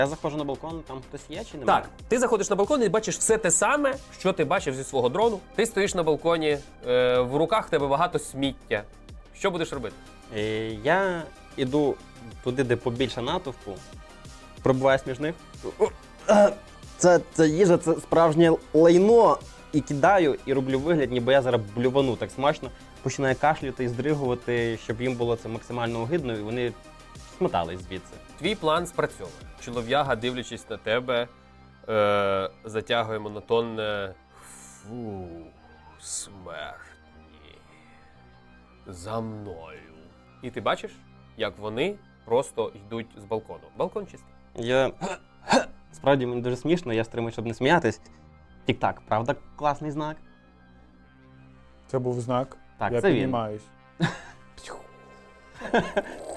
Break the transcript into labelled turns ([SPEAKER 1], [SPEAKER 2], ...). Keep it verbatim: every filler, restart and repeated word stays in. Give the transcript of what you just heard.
[SPEAKER 1] Я заходжу на балкон, там хтось є чи немає?
[SPEAKER 2] Так, ти заходиш на балкон і бачиш все те саме, що ти бачив зі свого дрону. Ти стоїш на балконі, е, в руках в тебе багато сміття. Що будеш робити?
[SPEAKER 1] Е, Я іду туди, де побільше натовпу, пробиваюсь між них. Це, це їжа, це справжнє лайно. І кидаю, і роблю вигляд, ніби я зараз блювану так смачно. Починаю кашляти і здригувати, щоб їм було це максимально огидно, і вони смотались звідси.
[SPEAKER 2] Твій план спрацьовує. Чолов'яга, дивлячись на тебе, е, затягує монотонне «Фу, смертні, за мною». І ти бачиш, як вони просто йдуть з балкону. Балкон чистий.
[SPEAKER 1] Я... Справді, мені дуже смішно, я стримую, щоб не сміятись. Тік-так, правда, класний знак?
[SPEAKER 3] Це був знак.
[SPEAKER 1] Так,
[SPEAKER 3] Я
[SPEAKER 1] це він.
[SPEAKER 3] піднімаюсь.